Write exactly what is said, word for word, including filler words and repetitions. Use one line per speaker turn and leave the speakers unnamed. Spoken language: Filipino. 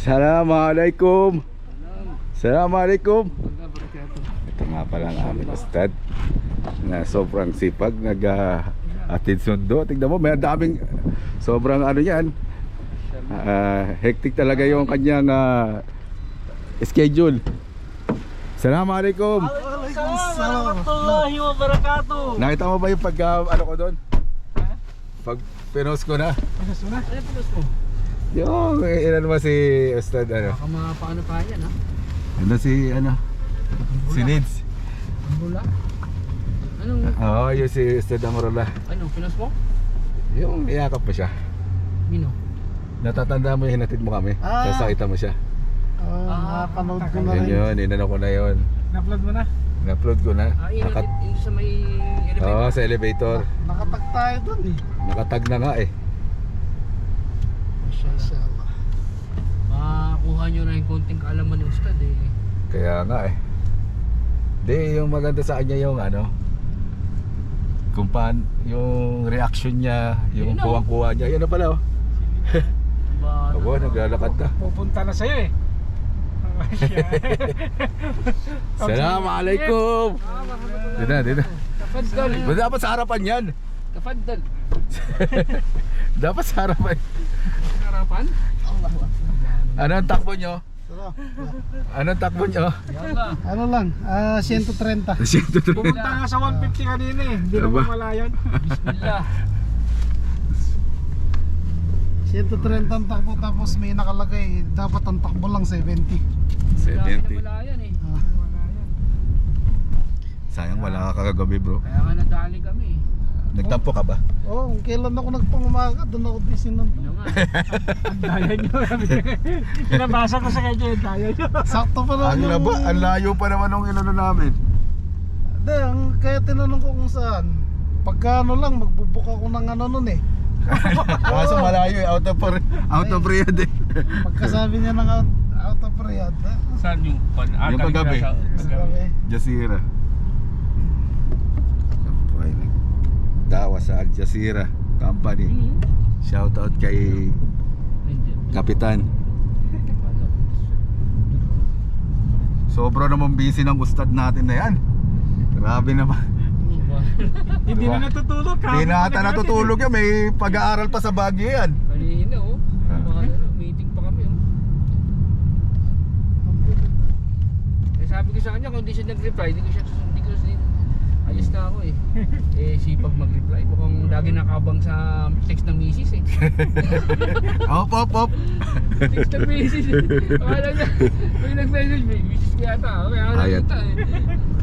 Assalamualaikum. Assalamualaikum. Ito nga pala ang aming ustad na sobrang sipag, nag-atid uh, sundo. Tignan mo, may daming sobrang ano yan, uh, hectic talaga yung kanyang uh, schedule. Assalamualaikum.
Waalaikumsalam warahmatullahi wabarakatuh.
Nakita mo ba yung pag uh, ano ko doon? Pag pinost ko na.
Pinost mo na? Ano pinost mo?
Yung ilan mo si ustad ano?
Baka mga paano pa yan ha?
Ano si ano? Si Nids.
Ang bula? Anong?
Oo, oh, yung si Ustad Amorola.
Ano, pinost mo?
Yung iyakap pa siya.
Mino?
Natatanda mo yung hinatid mo kami.
Ah.
Tapos nakita mo siya.
Ah, nakapanood ko na
Yun
rin.
yun, inano ko na yun.
Na-upload mo na?
Na-upload ko na.
Ah, yun
Nakat
yung sa may elevator?
Oo, sa elevator.
Nakatag tayo dun eh.
Nakatag na nga eh.
Inshallah.
Makakuha nyo na yung konting kaalaman ni Ustad eh.
Kaya nga eh. Di, yung maganda sa kanya yung ano, kung paan, yung reaction niya, yung
Yun na, oh.
kuwang-kuwa niya. Yan na pala oh.
Ba,
Abo, naglalakad na.
Pupunta na sa'yo eh.
Assalamualaikum. Di na, di na.
Kafaddal.
Ba, dapat sa harapan yan.
Kafaddal.
Dapat sa harapan.
Harapan?
Ano ang takbo nyo?
Sarap.
Ano ang takbo nyo?
Yalla.
Ano lang, ah, one thirty.
Pumunta
nga sa one fifty kanina eh. Hindi
Aba.
naman malayan.
Bismillah.
one thirty ang takbo tapos may nakalagay, dapat ang takbo lang seventy.
seventy.
Wala yan eh.
Ah,
Sayang wala ka kagabi bro.
Kaya nga nadali kami eh.
Nagtampo ka ba?
oh, kailan ako nagpangumaga, doon ako busy nun.
Ano nga.
Daya nyo. Pinabasa ko sa kanya yung daya nyo. Sakto pa naman
Ang laba, ang layo pa naman ng inano namin.
Hindi, ang, kaya tinanong ko kung saan. Pagka ano lang, magbubook ako ng ano nun eh.
Kaso malayo eh, out of out of Riyadh eh.
Pagkasabi niya ng out, out of Riyadh. ah,
Saan yung pan? Ah,
Yung kagabi.
Sabi,
Jazeera. Ay, nagdawa sa Al Jazeera Company. Shout out kay Kapitan. Sobra naman busy ng ustad natin na yan. Grabe naman.
Hindi
Diba?
na natutulog.
Hindi na ata natutulog yan. May pag-aaral pa sa Baguio yan.
Kanina oh. Mga ano, meeting pa kami oh. Eh sabi ko sa kanya kung di siya nag-reply, hindi ko siya hindi ko siya alis na ako eh. Eh sipag mag-reply, mukhang lagi nakabang sa text ng misis eh.
Op, op, op.
Text ng misis eh. Akala niya, may nag-message, may misis ko yata. Kaya
Ayan.
nakita eh.